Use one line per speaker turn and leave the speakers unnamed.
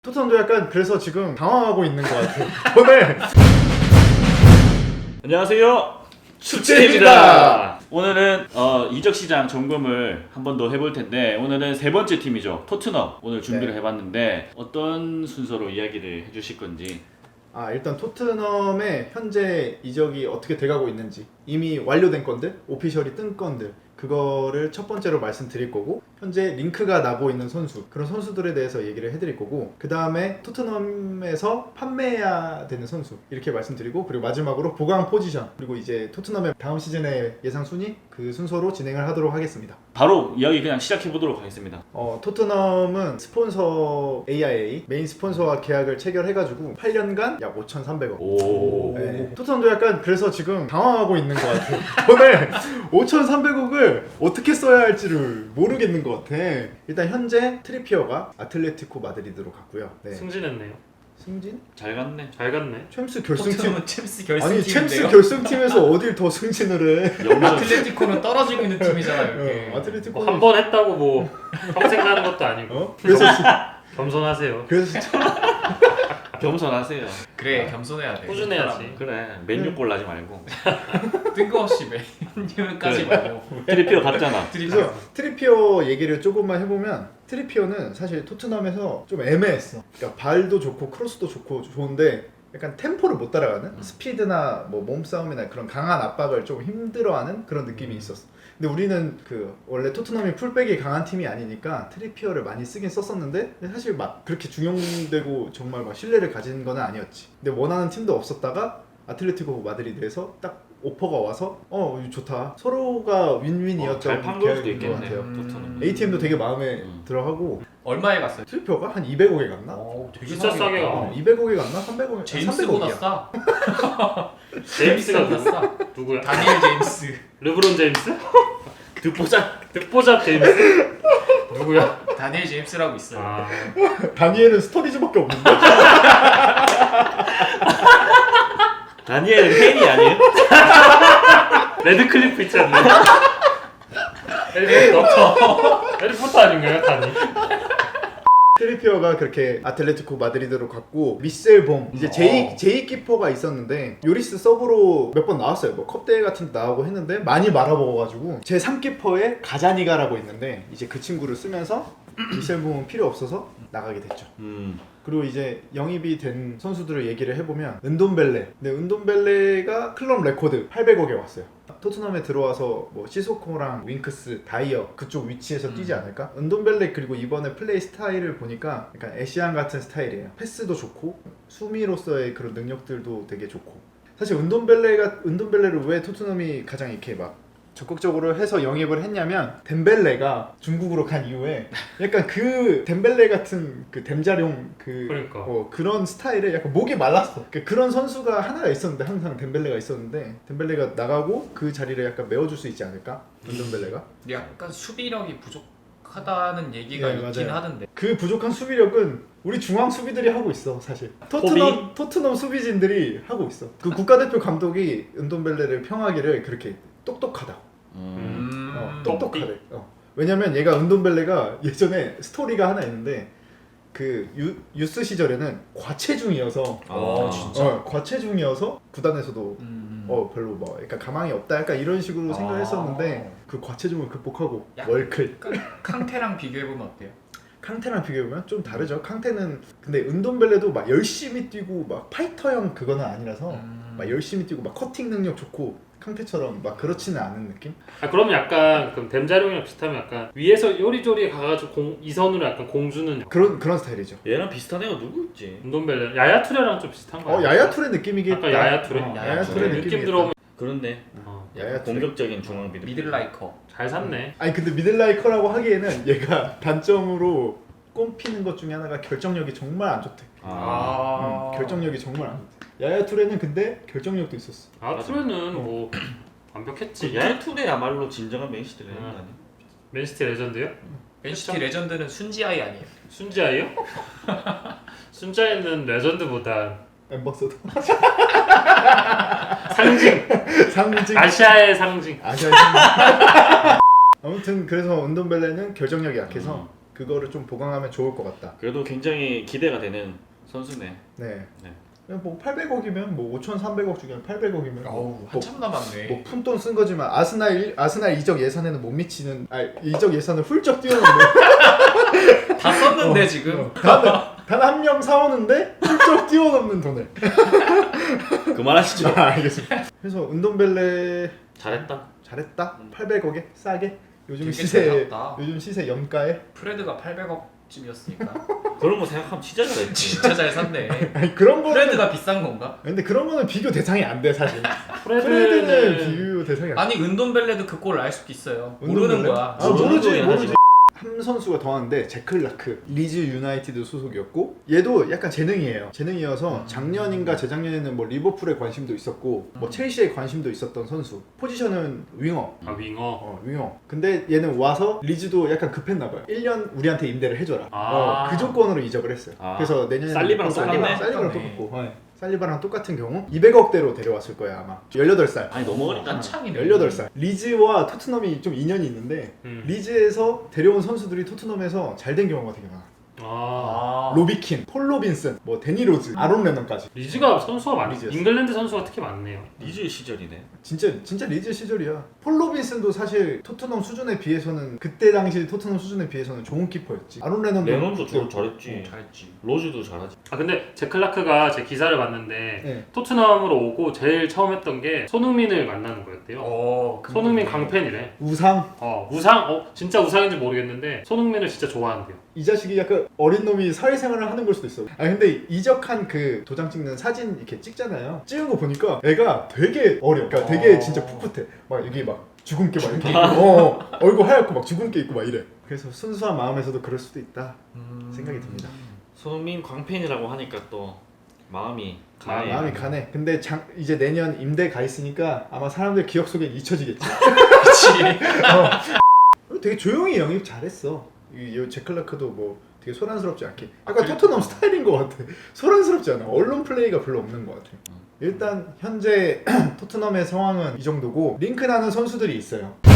토트넘도 약간 그래서 지금 당황하고 있는 것 같아요. 오늘
안녕하세요.
축제입니다.
오늘은 이적 시장 점검을 한 번 더 해볼 텐데 오늘은 세 번째 팀이죠. 토트넘 오늘 준비를
네.
해봤는데 어떤 순서로 이야기를 해주실 건지.
일단 토트넘의 현재 이적이 어떻게 돼가고 있는지 이미 완료된 건들, 오피셜이 뜬 건들 그거를 첫 번째로 말씀드릴 거고 현재 링크가 나고 있는 선수 그런 선수들에 대해서 얘기를 해드릴 거고 그 다음에 토트넘에서 판매해야 되는 선수 이렇게 말씀드리고 그리고 마지막으로 보강 포지션 그리고 이제 토트넘의 다음 시즌의 예상 순위 그 순서로 진행을 하도록 하겠습니다.
바로 이야기 그냥 시작해보도록 하겠습니다.
토트넘은 스폰서 AIA 메인 스폰서와 계약을 체결해가지고 8년간 약 5,300억.
오.
네. 토트넘도 약간 그래서 지금 당황하고 있는 것 같아요. 오늘 5,300억을 어떻게 써야 할지를 모르겠는 것 같아. 일단 현재 트리피어가 아틀레티코 마드리드로 갔고요. 네.
승진했네요.
승진?
잘 갔네.
잘 갔네.
챔스 결승팀.
토트넘은 챔스
아니
결승팀인데요.
챔스 결승팀에서 어딜 더 승진을 해?
영전.
아틀레티코는 떨어지고 있는 팀이잖아요. 이렇게.
아틀레티코
한 번 했다고 뭐 평생 가는 것도 아니고
그래서
겸손하세요.
겸손하세요.
그래 겸손해야 돼.
꾸준해야지.
그래. 맨유골 나지 말고.
뜬금없이 맨유까지
그래.
말고.
트리피어 갔잖아.
그래서 트리피어 얘기를 조금만 해보면 트리피어는 사실 토트넘에서 좀 애매했어. 그러니까 발도 좋고 크로스도 좋고 좋은데 약간 템포를 못 따라가는 스피드나 뭐 몸싸움이나 그런 강한 압박을 좀 힘들어하는 그런 느낌이 있었어. 근데 우리는 그 원래 토트넘이 풀백이 강한 팀이 아니니까 트리피어를 많이 쓰긴 썼었는데 사실 막 그렇게 중용되고 정말 막 신뢰를 가진 건 아니었지. 근데 원하는 팀도 없었다가 아틀레티코 마드리드에서 딱 오퍼가 와서 이거 좋다. 서로가 윈윈이었던
잘 판 걸 수도
계약인 것
있겠네.
같아요.
토트넘.
ATM도 되게 마음에 들어하고
얼마에 갔어요?
트리피어가 한 200억에 갔나?
되게
진짜 싸게
갔다.
갔네.
200억에 갔나? 300억에
제임스보다 싸.
제임스가
제임스보다
누구?
싸.
누구야?
다니엘 제임스.
르브론 제임스?
듣보자.
듣보잡 제임스? 누구야?
다니엘 제임스라고 있어요.
아,
다니엘은 스토리즈밖에 없는데?
다니엘은 팬이 아니에요?
레드클리프 있지 않나요? 해리포터 아닌가요, 다니?
트리피어가 그렇게 아틀레티코 마드리드로 갔고 미셀 봄 이제 제이 키퍼가 있었는데 요리스 서브로 몇 번 나왔어요. 뭐 컵대회 같은 데 나오고 했는데 많이 말아먹어가지고 제 3키퍼에 가자니가라고 있는데 이제 그 친구를 쓰면서 미셀 봄은 필요 없어서 나가게 됐죠. 그리고 이제 영입이 된 선수들을 얘기를 해보면 은돈벨레. 근데 은돈벨레가 클럽 레코드 800억에 왔어요. 토트넘에 들어와서 뭐 시소코랑 윙크스, 다이어 그쪽 위치에서 뛰지 않을까? 은돈벨레 그리고 이번에 플레이 스타일을 보니까 약간 애쉬안 같은 스타일이에요. 패스도 좋고 수미로서의 그런 능력들도 되게 좋고. 사실 은돈벨레를 왜 토트넘이 가장 이렇게 막 적극적으로 해서 영입을 했냐면 덴벨레가 중국으로 간 이후에 약간 그 덴벨레 같은 그 댐자룡
그러니까.
그런 스타일에 약간 목이 말랐어. 그런 선수가 하나가 있었는데 항상 덴벨레가 있었는데 덴벨레가 나가고 그 자리를 약간 메워줄 수 있지 않을까? 덴벨레가
약간 수비력이 부족하다는 얘기가
네,
있긴
맞아요.
하던데.
그 부족한 수비력은 우리 중앙 수비들이 하고 있어 사실. 토트넘 수비진들이 하고 있어. 그 국가대표 감독이 은돈벨레를 평하기를 그렇게 똑똑하다. 똑똑하대. 왜냐면 얘가 은돈벨레가 예전에 스토리가 하나 있는데 그 유스 시절에는 과체중이어서
진짜?
과체중이어서 구단에서도 별로 뭐 약간 가망이 없다 약간 이런 식으로 생각했었는데 그 과체중을 극복하고 월클.
캉테랑 비교해보면 어때요?
캉테랑 비교해보면 좀 다르죠. 캉테는 근데 은돈벨레도 막 열심히 뛰고 막 파이터형 그거는 아니라서 막 열심히 뛰고 막 커팅 능력 좋고 캉테처럼 막 그렇지는 않은 느낌?
그러면 약간 그럼 댐자룡이랑 비슷하면 약간 위에서 요리조리 가가지고 이선으로 약간 공주는
그런 스타일이죠.
얘랑 비슷한 애가 누구 있지?
운동벨레 야야 투레랑 좀 비슷한 거
야야 투레 느낌이겠다.
약간 야야 투레?
야야 투레
느낌
느낌이겠다.
들어오면
그렇네.
야야 투레.
공격적인 중앙
미들라이커.
잘 샀네.
아니 근데 미들라이커라고 하기에는 얘가 단점으로 꼽히는 것 중에 하나가 결정력이 정말 안 좋대. 결정력이 정말 안 좋대. 야야 투레는 근데 결정력도 있었어.
투레는 뭐 완벽했지.
야야 투레야말로 진정한 맨시티 레전드 아니야?
맨시티 레전드요?
맨시티 레전드는 순지아이 아니에요?
순자이요? 순자이는 레전드보다
엠버서더.
상징. 아시아의 상징.
아무튼 그래서 은돈벨레는 결정력이 약해서 그거를 좀 보강하면 좋을 것 같다.
그래도 굉장히 기대가 되는 선수네.
네.
네.
그냥 뭐 800억이면 뭐 5,300억 중에 800억이면
어우 한참 남았네.
뭐 푼돈 쓴 거지만 아스날 이적 예산에는 못 미치는 이적 예산을 훌쩍 뛰어넘는
다 썼는데 지금.
단 한 명 사오는데 훌쩍 뛰어넘는 돈을.
그만하시죠.
알겠습니다. 그래서 은돈벨레
잘했다.
잘했다. 800억에 싸게 요즘
되게
시세
잘 샀다.
요즘 시세 염가에.
프레드가 800억쯤이었으니까
그런 거 생각하면 진짜 잘했지.
진짜 잘 샀네.
아니 그런 거는
프레드가 비싼 건가?
근데 그런 거는 비교 대상이 안 돼 사실.
프레드는
프레드는 비교 대상이 안 돼.
아니 은돈벨레도 그 골을 알 수도 있어요. 모르는
은돈벨레?
거야.
아 모르지
모르긴
모르지. 한 선수가 더한데 제클라크 리즈 유나이티드 소속이었고 얘도 약간 재능이에요. 재능이어서 작년인가 재작년에는 뭐 리버풀에 관심도 있었고 뭐 첼시에 관심도 있었던 선수. 포지션은 윙어.
아 윙어.
윙어. 근데 얘는 와서 리즈도 약간 급했나봐요. 1년 우리한테 임대를 해줘라.
아.
그 조건으로 이적을 했어요.
아.
그래서 내년에
살리바랑 똑같네.
살리바랑 똑같고. 네. 살리바랑 똑같은 경우 200억대로 데려왔을 거예요 아마. 18살.
아니 너무 어리다.
한창이네.
18살. 리즈와 토트넘이 좀 인연이 있는데 리즈에서 데려온 선수들이 토트넘에서 잘 된 경우가 되게 많아.
아.
로비킨, 폴 로빈슨, 뭐 데니 로즈, 아론 레넌까지.
리즈가 선수가 많이
리즈였어.
잉글랜드 선수가 특히 많네요.
리즈 시절이네.
진짜 리즈 시절이야. 폴 로빈슨도 사실 토트넘 수준에 비해서는 그때 당시 토트넘 수준에 비해서는 좋은 키퍼였지. 아론 레넌도
레논도 잘했지.
잘했지.
로즈도 잘하지.
아 근데 제 클라크가 제 기사를 봤는데
네.
토트넘으로 오고 제일 처음 했던 게 손흥민을 만나는 거였대요. 손흥민 강팬이래.
우상.
우상? 진짜 우상인지 모르겠는데 손흥민을 진짜 좋아한대요.
이 자식이 약간 어린 놈이 사회생활을 하는 걸 수도 있어. 아 근데 이적한 그 도장 찍는 사진 이렇게 찍잖아요. 찍은 거 보니까 애가 되게 어려. 그러니까 되게 진짜 풋풋해. 막 여기 막 주근깨 막 이렇게 있고, 얼굴 하얗고 막 주근깨 있고 막 이래. 그래서 순수한 마음에서도 그럴 수도 있다 생각이 듭니다.
손흥민 광팬이라고 하니까 또 마음이 가네.
마음이 가네. 근데 이제 내년 임대 가 있으니까 아마 사람들 기억 속에 잊혀지겠지.
그치.
되게 조용히 영입 잘했어. 이 제클라크도 뭐 되게 소란스럽지 않게. 약간 토트넘 스타일인 것 같아. 소란스럽지 않아. 언론 플레이가 별로 없는 것 같아. 일단 현재 토트넘의 상황은 이 정도고 링크 나는 선수들이 있어요.